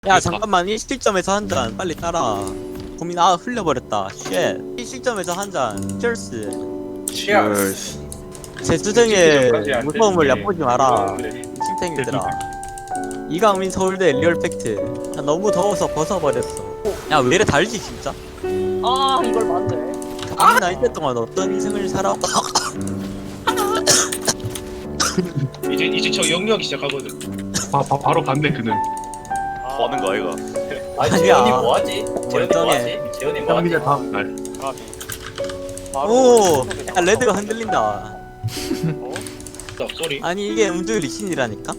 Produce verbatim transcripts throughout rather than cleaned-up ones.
야 잠깐만 이 시점에서 한 잔 빨리 따라. 고민 아 흘려버렸다. 쉣. 이 시점에서 한 잔. cheers. Cheers. 제 수정의 무서움을 얕보지 마라. 심탱이들아. 이강민 서울대 리얼 팩트. 나 너무 더워서 벗어버렸어. 야 왜 이래 달지 진짜? 아 이걸 맞네. 아 나이때 동안 어떤 인생을 살아? 이제 이제 저 영역이 시작하거든. 바, 바, 바로 반대 그는. 뭐 하는 거야 이거? 아니 아니야. 재현이 뭐하지? 재현이 멀쩡해. 뭐하지? 재현이 뭐하지? 형민의 다음 날. 오, 야 레드가 흔들린다. 쏘리. 아니 이게 음주 리신이라니까?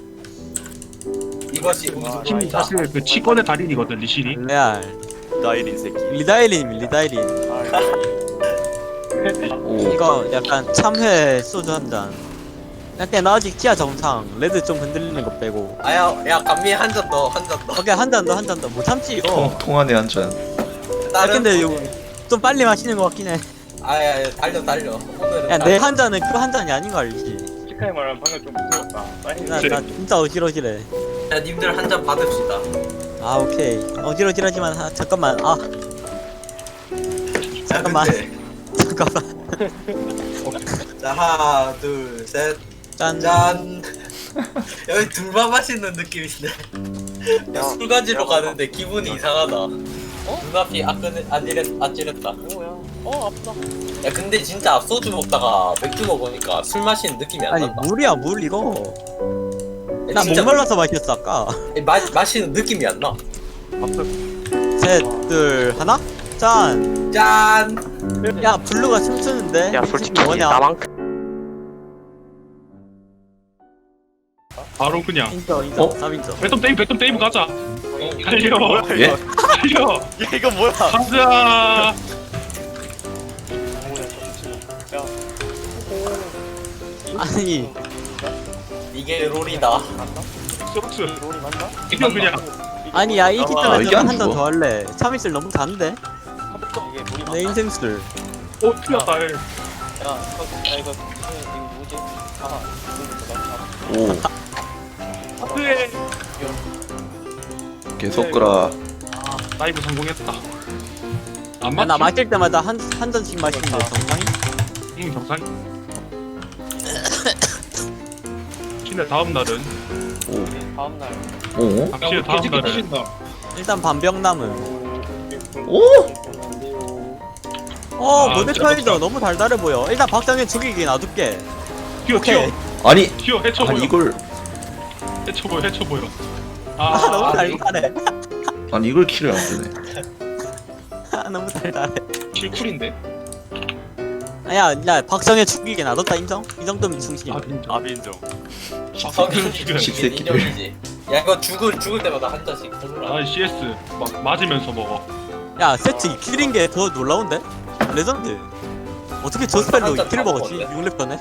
이것이 아, 우주입니다. 사실 그 치권의 달인이거든 리신이. 레알. 나일인 새끼. 리다이린 리다이린. 오. 이거 약간 참회 소주 한 잔. 약간 나 아직 티아 정상. 레드 좀 흔들리는 거 빼고. 아야 야 감미 한 잔 더 한 잔 더. 오케이 한 잔 더 한 잔 더. 못 참지 이거. 통, 통안에 한 잔. 야 다른 근데 이거 좀 빨리 마시는 거 같긴 해. 아야 달려 달려. 오늘은 야 달려. 내 한 잔은 그 한 잔이 아닌 거 알지? 시카이 말하면 방금 좀 무서웠다. 나, 나 진짜 어지러지래. 야 님들 한 잔 받읍시다. 아 오케이. 어지러지하지만 하, 잠깐만. 아 잠깐만. 자, 잠깐만. 근데 자 하나 둘 셋. 짠. 짠. 여기 둘만 마시는 느낌인데. 야, 술 가지러 가는데 기분이 이상하다. 어? 눈앞이 아끈 아찔했 아찔했다. 뭐야? 어 아프다. 야 근데 진짜 소주 먹다가 맥주 먹으니까 술 마시는 느낌이 안 아니 난다. 물이야 물 이거. 야, 나 진짜 목말라서 마셨어 아까. 마, 마시는 느낌이 안 나. 셋, 둘, 하나. 짠. 짠. 야 블루가 춤추는데. 야 이 솔직히 새끼 뭐냐? 나만큼 바로 그냥. 인정 인정. 어? 남 인정. 백점 데이브 백점 데이브 가자. 달려. 예? 달려. 야 이거 뭐야? 가자. 아니 이게 롤이다. 소스. 롤이 맞나? 이거 그냥. 아니 야이 아, 시점에서 이게 안 한 잔 죽어? 더 할래. 참이슬 너무 단데. 이게 물이 맞나? 내 인생 술. 오 틀렸다. 야 이거 야 이거 이거 뭐지? 아 오. 그래. 계속 끄라. 나이브 성공했다. 안 야, 나 맞지? 마실 때마다 한 한 잔씩 마시는데 정상이? 응 정상. 근데 다음 날은 오. 다음 날. 오. 확실히 다음 개새끼 날은 터진다. 일단 반병 남은. 오. 어 아, 모델 진짜 차이도 먹자. 너무 달달해 보여. 일단 박상현 죽이기 놔둘게. 튀어 튀어 오케이. 아니. 튀어 해쳐 보여. 아니 이걸 해쳐 보여 해쳐 보여. 아 너무 아 달달해. 아니 이걸 킬을 안 되네. 아 너무 달달해. 킬쿨인데? 야, 야, 박성현 죽이게 놔뒀다 인정? 이 정도면 충신. 아 진짜. 아빈정. 성인 죽여야 돼. 십새끼들. 인정이지. 야 이거 죽을 죽을 때마다 한 잔씩 부르라. 아 씨에스 막 맞으면서 먹어. 야, 세트 킬인 게 더 놀라운데? 레전드. 어떻게 저 스펠로 한잔 킬을 다 먹었지? 먹었네. 육 렙전에?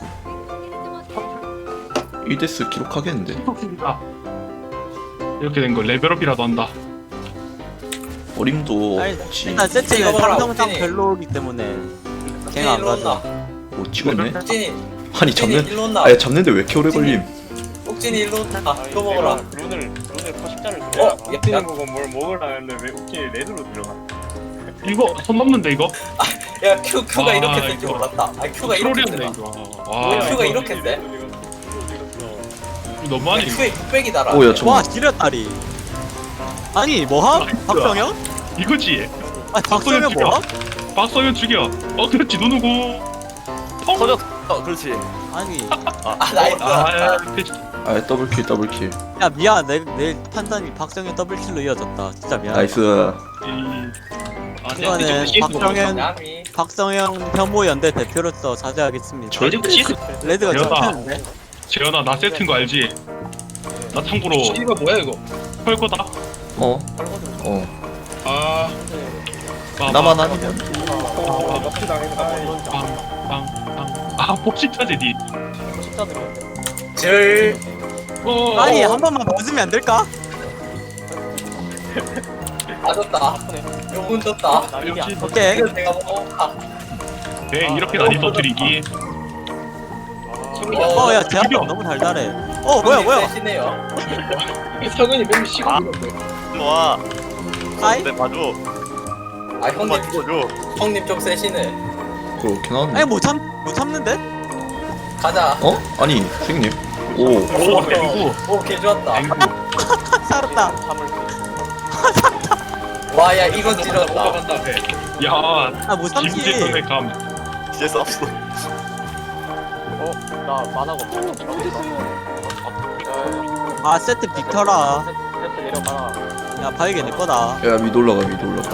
일 데스 기록하겠는데. 아 이렇게 된 거 레벨업이라도 한다. 어림도 아니, 없지. 일단 세트가 이거 봐라, 상성상 옥진이. 별로이기 때문에 걔가 안 일로 가져. 온나. 오 찍었네. 옥진이 아니 옥진이 잡는. 일로 온나. 아니 잡는데 왜 이렇게 오래 걸림? 옥진이 일로 온나. 이거 먹어라. 룬을 룬을 포식자를 어? 들어야. 야, 뛰는 야. 거고 뭘 먹으라 했는데 왜 웃기게 레드로 들어가? 이거 손 넘는데 이거? 야 Q Q가 와, 이렇게 쓸 줄 이거. 몰랐다. 아 Q가 이렇게 트롤이었네 쓰나? 이거. 왜 와 Q가 이거 이렇게 세? 너무하네 이거. Q에 육백이다라. 오야 저. 와, 지렸다리. 아니, 뭐함? 박성현? 이거지. 아니, 박성현 죽여. 뭐함? 박성현 죽여. 어 그렇지 누누고. 어? 터졌어. 그렇지. 아니, 아 나이스. 아 패치. 아 더블 킬 더블 킬. 야, 미안. 내, 내 판단이 박성현 더블킬로 이어졌다. 진짜 미안. 나이스. 아, 이거는 박정현 야미. 박성현 혐오 연대 대표로서 자제하겠습니다. 절대 씨스. 레드가 대박. 쳤는데? 재현아 나 세트인 거 알지? 나 참고로 씨가 뭐야 이거? 헐 거다. 어. 어. 아. 봐봐. 나만 아니면. 아 럭키 당했다. 빵빵빵. 아 복식타지 니. 포식자들이. 질. 어. 아니, 한 번만 벗으면 안 될까? 맞았다. 요분 떴다. 역시 오케이. 이거 내가 먹어. 아, 네 이렇게 난이 터뜨리기. 어, 야, 제압 죽여. 너무 달달해. 어, 뭐야, 뭐야? 세시네요. 성현이 맨날 씨가 있는데. 와. 아이? 내 봐줘. 아 한번 형님 찍어줘. 형님 좀 세시네. 그렇게 나왔네. 아니 못참 못 참는데? 가자. 어? 아니 선생님. 오. 오, 오, 개 좋았다. 살았다. 와, 야, 이건 찌렸다. 올라간다 배. 야, 아 못 참지. 김재선의 감. 이제 쌌어. 어? 나 만화가 없어. 아 세트 빅터라. 세트 내려가라. 야 바위게 내 거다. 야 위로 올라가 위로 올라가.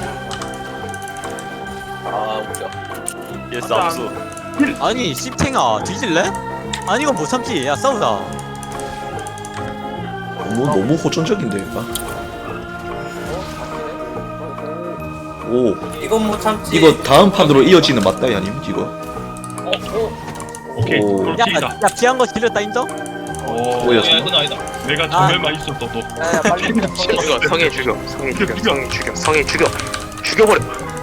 아, 웃겨. 이제 쌌어. 아니 씹탱아 뒤질래? 아니 이건 못 참지. 야 싸우자. 너무 너무 호전적인데 얘가. 오. 이건 못 참지. 이거 다음 판으로 이어지는 맞다 아님 이거. 어, 어. 오케이, 오. 야, 롤킥이다. 야 피한 거 질렸다 인정? 오, 뭐야, 야, 이건 아니다. 내가 아. 정말만 있었어도. 야야 빨리. 죽여 성애 죽여 성애 죽여 성애 죽여 성애 죽여 죽여버려.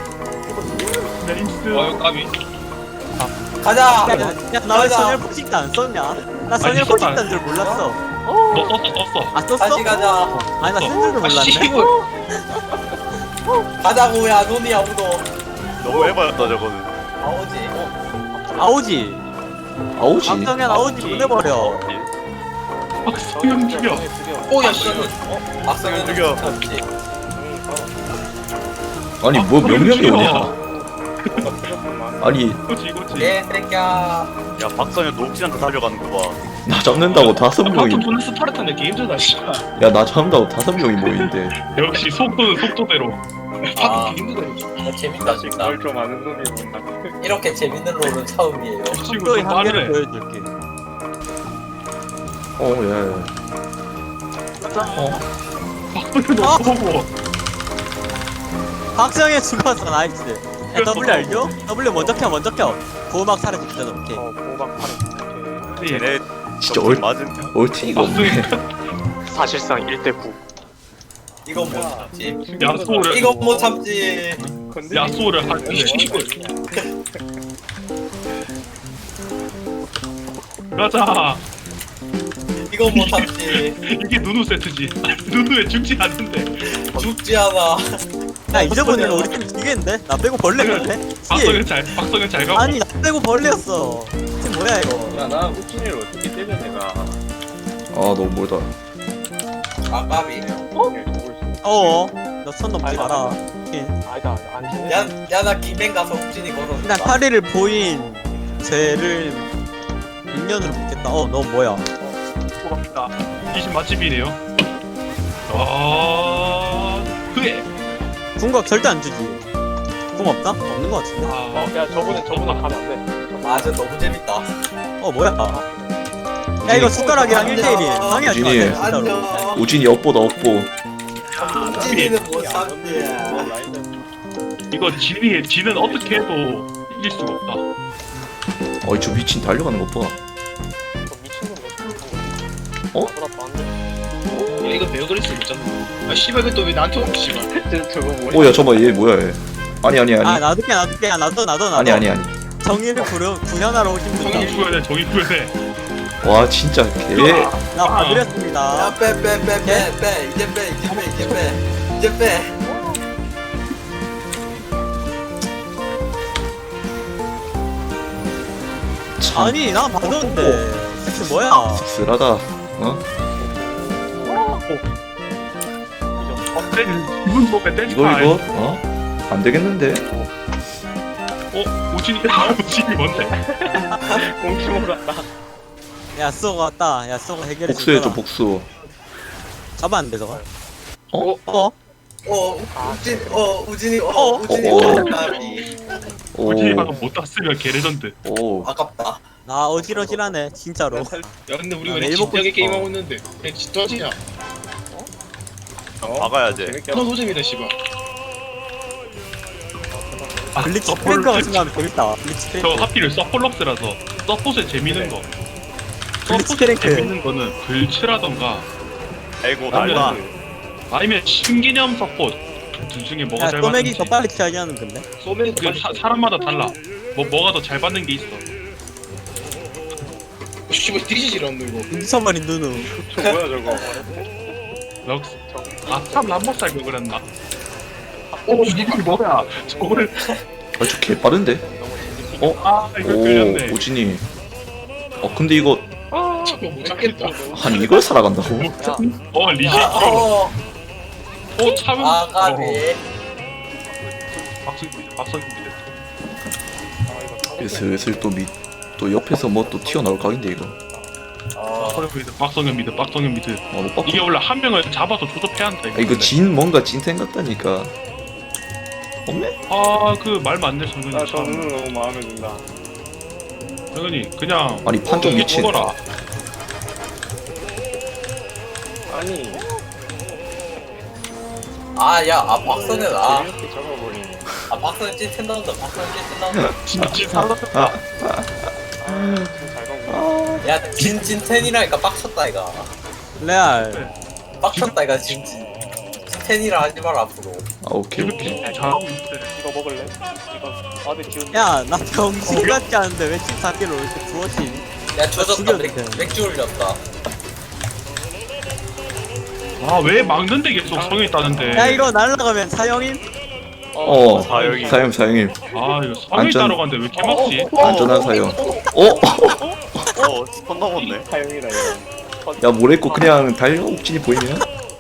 네임스. 아, 이거 까비. 가자. 야나 왜 가자. 선열 포식도 안 썼냐? 나 선열 아니, 포식도 썼다. 안 줄 몰랐어. 너 썼어, 썼어. 아 썼어? 다시 가자. 아니 나 쓴 줄도 아, 씨. 몰랐네. 가자고, 야, 돈이 아무도. 너무 해봤다 저거는. 아오지. 아오지. 아오지. 박정현 아오지 보내버려. 박수영 죽여. 오, 야, 씨. 어, 박성현 죽여. 참지. 아니 뭐 몇 명이 오냐? 아니 이거지, 이거지. 예, 새끼야. 야 박성현 녹진한테 달려가는 거 봐. 나 잡는다고 다섯 명이. 방금 존나 스파르타인데 게임전다, 씨. 야 나 잡는다고 다섯 명이 모이는데. 역시 속도는 속도대로. 아. 방금 게임전다. 야, 재밌다, 진짜. 좀 아는 놈이 뭔가. 이렇게 재밌는 롤은 처음이에요. 이 친구 속도의 좀 한계를 빠르네. 보여줄게. 어 야. 어. 박수영 너 보고. 박정현 죽었어 나이스. 야 W 알죠? W 먼저 켜 먼저 켜. 보호막 사라집니다 오케이. 어 보박 팔. 쟤네 진짜 얼 얼 맞은. 얼티가 없네. 사실상 일 대 구. 이건 못 참지. 야소를. 이건 못 참지. 야소를 한. 가자. 이건 못 참지. 이게 누누 세트지. 누누에 죽지 않는데. 죽지 않아. 야 잊어보니까 우리 팀 이기겠는데? 나 빼고 벌레였네? 박성현 잘, 박성현 잘 가고. 아니 나 빼고 벌레였어. 팀 뭐야 이거? 야나 우진이를 어떻게 때려 내가. 아 너무 멀다. 아, 까비. 어어. 너 선 넘지 마라. 아니다 안 치네. 야, 야, 나 김행 가서 욱진이 일단 걸어준다. 파리를 보인 쟤를 인연으로 믿겠다. 어 너 뭐야? 고맙다. 이 집 맛집이네요. 아, 그래. 궁각 절대 안 주지. 궁 없다? 없는 거 같은데? 아, 야 저분은 저분은 가면 안 돼. 아, 저 너무 재밌다. 어 뭐야? 야 이거 숟가락이랑 일 대일이 방해하지 마. 우진이. 진짜로. 안녕. 우진이 업보다 업보. 욱진이는 못 참지. 이거 진이 진은 어떻게 해도 이길 수가 없다. 어이 저 미친 달려가는 것 봐. 저 미친놈 어? 나보다 더안 돼. 야, 이거 베어그리스 있잖아. 아, 씨발, 이거 또왜 나한테 오고, 씨발. 저거 뭐야? 오야 저봐 얘 뭐야 얘. 아니 아니 아니. 아 놔둘게 놔둘게 야 놔둬 놔둬 놔둬. 아니 아니 아니. 정의를 구려 구현하러 오신 정의 분들. 구현해, 정의 구현해. 와 진짜 개. 나 봐드렸습니다. 야, 빼, 빼, 빼, 빼, 빼. 이제 빼, 이제 빼, 이제 빼. 이제 빼. 참 아니 나 봐줬는데 섹스 뭐야? 씁쓸하다. 어? 기분 높게 댄스 이거 타임. 이거 어? 안 되겠는데? 어, 우진이, 아, 우진이 뭔데? 공치모 같다. 야 쏘가 왔다. 야 쏘가 해결해. 복수해줘 주더라. 복수. 잡았는데 저거. 어? 어? 어, 욱진, 어, 우진이, 어, 어? 우진이, 어, 어. 어, 까비. 오. 우진이 방금 못 땄으면 개레전드. 오. 아깝다. 나 어지러지라네 진짜로. 야, 근데 우리 아, 왜 내일 먹고 진지하게 싶어. 게임하고 있는데. 야, 진짜지냐? 박아야지. 너 노잼이다, 씨발. 아, 블리츠 서폴- 프랭크가 생각하면 재밌다. 블리츠 저 프랭크. 하필 서폴럭스라서 서폿에 재밌는 거. 블리츠 서폿에 프랭크. 재밌는 거는 글츠라던가 아이고 날라. 아니면 아니면 신기념 서폿 둘 중에 뭐가 야 잘 소맥이 맞는지. 더 빨리 키하게 하는 건데. 소맥 그 사, 사람마다 달라. 뭐 뭐가 더 잘 받는 게 있어. 씨발, 뒤지질 않노, 이거. 미쳐버린 누누. 저 뭐야 저거? 럭스. 아참 람버스 할걸 그랬나? 오 이게 뭐야? 저걸 아저 개 빠른데? 어? 아 이거 오 끌렸네. 오진이. 어 근데 이거 아, 저거 못 잡겠다. 아니 이걸 살아간다고? 어 리시. 어, 어 참은. 아 까비. 박성 박성 미드. 슬슬 또 밑 또 옆에서 뭐 또 튀어나올 각인데 이거. 어, 박성현 미드. 박성현 미드. 박성현 미드. 아 못 이게 봤. 원래 한 명을 잡아서 조접해야 한다. 아, 이거 진 뭔가 찐텐 같다니까. 없네? 아그 말 맞네 성현이. 아 저는 너무 마음에 든다. 성현이 그냥 아니 판정 이게 미친. 죽어라. 아니 아, 야, 아, 박선현, 아, 이렇게 잡아버리네. 아, 박선현 찐텐 나온다, 박선현 찐텐 나온다. 진짜 살았다. 좀 잘 가고. 야, 진, 찐텐이라니까 빡쳤다, 이거. 레알. 빡쳤다, 이거, 진, 진. 찐텐이라 하지 마라, 앞으로. 아 오케이 오케이. 이렇게 잘하고 있대. 이거 먹을래? 이거 아들 기운. 야, 나 병신 같지 않은데 왜 십사 킬로 이렇게 부어진? 야, 조졌다, 죽여도 맥, 돼. 맥주 올렸다. 아왜 막는데 계속 성현이 따는데. 야, 이거 날라가면 사형임? 어 사형이. 사형 사형님 아 이거 성현이 안전- 따러 갔는데 왜 이렇게 막지? 안전한 사형. 어? 어, 스폰 넘었네. 사용이다 이거. 야 뭐랬고 그냥 달려 옥진이 보이면?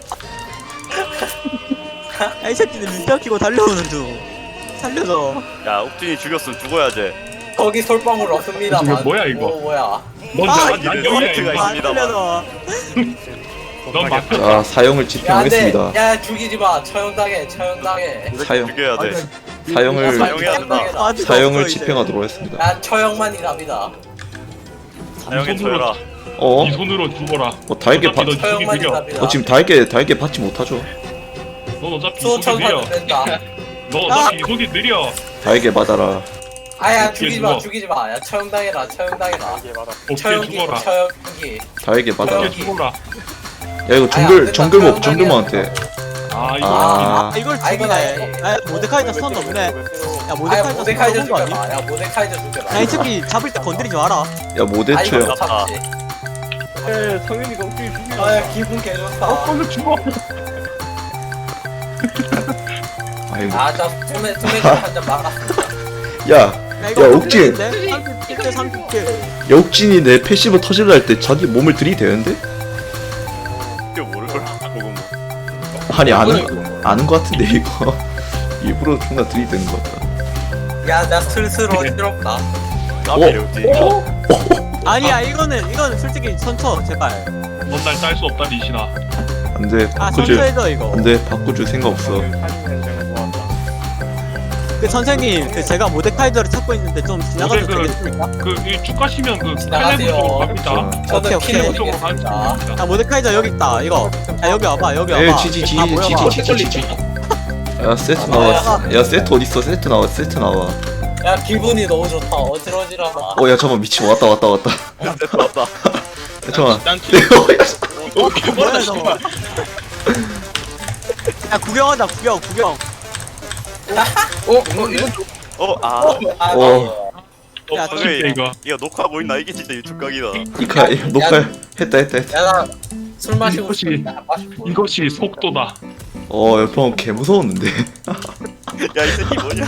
야, 이 새끼들 민병 끼고 달려오는 중. 살려줘. 야, 옥진이 죽였으면 죽어야지. 거기 솔방울 없습니다. 이거 뭐야, 이거? 오, 뭐야. 먼저 아, 난 여기야 포인트가 이거. 안 있습니다만. 살려줘. 넌 막혔다. 자 사형을 야, 안 돼. 집행하겠습니다. 야, 죽이지 마. 처형당해, 처형당해. 사형 죽여야 돼. 사형을 사형해야 된다. 아, 진짜 사형을 없어, 이제. 집행하도록 하겠습니다. 야, 처형만이 답이다. 사형에 쳐라. 어? 이 손으로 죽어라. 뭐 달게 받. 어차피 너 죽이 처형만이 느려. 답이다. 어 지금 달게 달게 받지 못하죠. 넌 어차피 이속이 수호천사는 느려. 된다. 너 어차피 이속이 느려. 달게 받아라. 아야, 죽이지 마, 죽어. 죽이지 마. 야, 처형당해라, 처형당해라. 이게 맞아. 오케이 처형기, 죽어라. 처형기. 달게 받아라. 저요. 오케이 죽어라. 야 이거 아야, 정글 안 된다. 정글목 정글목한테. 아 이거 아. 아, 이걸 아, 이건 죽이네. 야, 모데카이저 선 없네. 야, 아야, 모데카이저 모데카이저 선 없는 거 죽여라. 아니? 야, 모데카이저 죽여라. 야, 이 새끼 잡을 때 건드리지 마라. 야 모대 아, 이거 처형. 못 참지. 에 성윤이가 어떻게 죽여? 아, 야, 기분 개좋다. 오늘 죽어. 아이고. 아, 저 투매, 투매주 한잔 막았습니다. 야, 야, 이거 야, 옥진. 삼십 대 삼십 킬. 야 옥진이 내 패시브 터질라 할 때 자기 몸을 들이대는데? 이거 모를 걸. 보고 뭐. 아니 아는 아는 거 같은데 이거 일부러 존나 들이대는 거 같다. 야, 나 슬슬 어지럽다. 까비래, 옥진이. 아니야, 이거는 이거는 솔직히 선처 제발. 넌 날 딸 수 없다 리신아. 안돼 아, 바꿔줄 선처해줘 이거. 안돼 바꿔줄 생각 없어. 그 선생님, 그 제가 모데카이저를 찾고 있는데 좀 지나가도 모데 그- 되겠습니까? 그쭉 가시면 그 지나가세요. 칼레브 쪽으로 갑니다. 저는 오케이, 오케이. 피는 쪽으로 가는 이겠습니다. 중입니다. 야, 모데카이저 여기 있다. 이거. 야, 여기 와봐. 여기 와봐. 에 지지 지지 다 모여봐. 지지 지지 지지. 야 세트 나와. 야 세트 어디 있어? 세트 나와 세트 나와. 야, 기분이 너무 좋다. 어지러지라다. 어 야 잠깐 미친 왔다 왔다 왔다. 야 됐다, 왔다. 잠깐. 난 어, 뭐야 저거. 야, 구경하자. 구경, 구경. 어? 어? 이건 좀 어, 아. 아, 어. 어 야, 진짜 이거. 이거 녹화하고 있나? 이게 진짜 유튜브 각이다. 이카 녹화 했다 했다 했다. 야, 나 술 마시고 이것이- 싶다. 마시고. 이것이 속도다. 어 옆방 개 무서웠는데. 야, 이 새끼 뭐냐?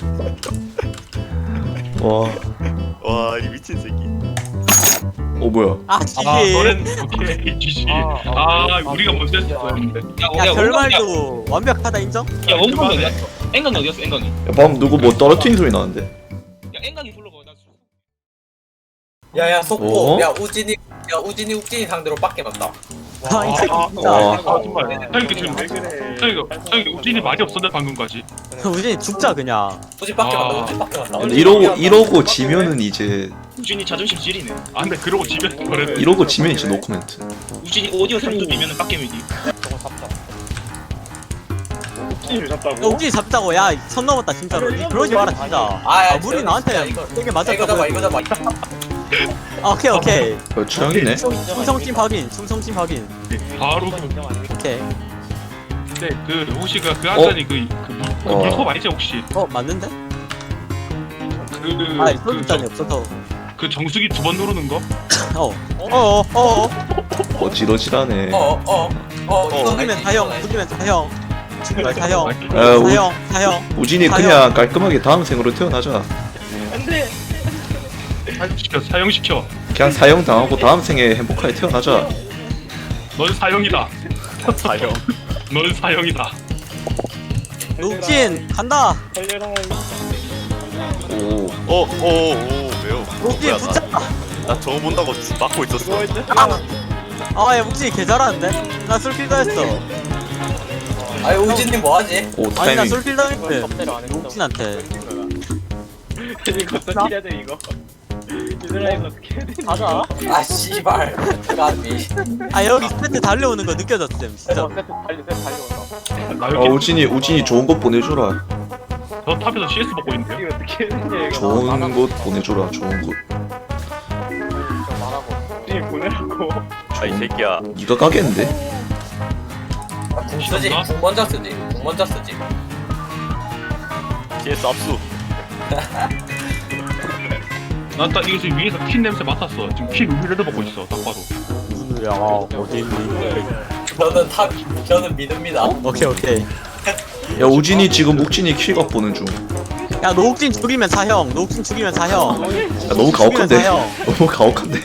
와. 와, 이 미친 새끼. 어 뭐야? 아, 지지. 아 너넨 오케이 지지. 아 우리가 먼저 했었는데. 야, 결말도 완벽하다 인정? 야 원건 어디였어? 앵강이 어디였어? 앵강이. 야 방금 누구 뭐 떨어뜨린 소리 나는데? 야 앵강이 불러봐. 나 수- 야, 야, 속보. 어? 야, 우진이, 야, 우진이, uk진이 상대로 빡게 맞다. 아, 이 새끼 진짜. 와. 아 정말. 형이 지금 형이 형이 우진이 말이 없었는데 방금까지. 우진이 죽자 그냥. 우진 빡게 아. 맞다. 우진 빡게 맞다. 근데 이러고 이러고 지면은 이제 우진이 자존심 지리네. 아 근데 그러고 집에 그래. 이러고 지면 이제 노코멘트. 우진이 오디오 삼 점이면 빡겜이지. 옥진이를 야, 잡다고? 우진이 잡자고. 야, 선 넘었다 진짜로. 니 그러지 마라 진짜. 아, 야, 아, 물이 진짜 나한테 이거- 세게 이거 맞았다고. 잡아, 이거 잡아. 아, 오케이 오케이. 어, 추영이네. 충성심 확인. 충성심 확인. 바로 오케이. 근데 그 혹시 그 그 한잔이 그, 그, 물, 그 어. 물컵 아니지 혹시? 어, 맞는데? 그, 아, 그, 소주잔이 정- 없어서. 그 정수기 두 번 누르는 거? 어. 어, 어, 어. 어지러지라네. 어, 어. 어 이거 죽이면 사형 죽이면 사형 죽이면 사형 아, 우, 사형 사형 우진이 사형. 그냥 깔끔하게 다음 생으로 태어나자. 안돼. 사형시켜 사형시켜. 그냥 사형 당하고 다음 생에 행복하게 태어나자. 넌 사형이다. 사형. 넌 사형이다. 녹진 간다 달려라. 오. 어어어 왜요? 녹진 뭐야, 붙자 나, 나 저거 본다고 막고 있었어. 아야 목진이 개 잘하는데 나 술킬 당했어 아니 우진님 뭐하지? 오 아니 나 타이밍. 술킬 당했대 섭대로 안 했어. 녹진한테 이거 어떻게 해야 돼 이거? 얘들아 이거 어떻게 해야 돼? 가자. 아 씨발 까비. 아 여기 세트 달려오는 거 느껴졌음 진짜 어, 세트 달려 세트 달려온다. 나 어 여기 우진이 우진이 좋은 것 보내줘라. 저 탑에서 씨에스 먹고 있는데요. 이거 어떻게 해야 되냐 이거. 좋은 곳 보내줘라. 좋은 곳. 좀 말하고. 우리 보내라고. 아이 새끼야. 네가 가겠는데? 궁 쓰지. 궁 먼저 쓰지. 궁 먼저 쓰지. 씨에스 압수. 난 딱 이거 지금 위에서 킨 냄새 맡았어. 지금 킨 우비레드 먹고 있어. 딱 봐도. 무슨 소리야 어디 있니 저는 탑 저는 믿습니다. 오케이 오케이 야 우진이 지금 묵진이 킬각 보는 중. 야 야 녹진 죽이면 사형 녹진 죽이면 사형 너무 가혹한데. 죽이면 사형 너무 가혹한데.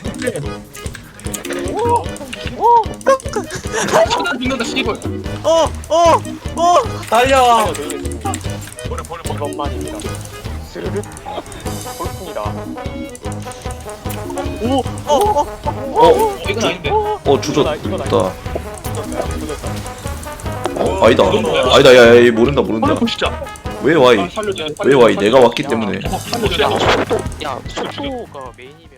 천안 죽는다 씨발. 어어어 달려. 버려 버려 버려. 이것만입니다. 스르륵. 볼품이다. 어어 어, 이건 아닌데. 어 주졌다. 이건 어 아니다. 아니다. 야야 모른다 모른다. 버려 보시자. 왜 와이? 살려줘. 왜 와이? 내가 왔기 때문에. 살려줘. 야, 초가 메인이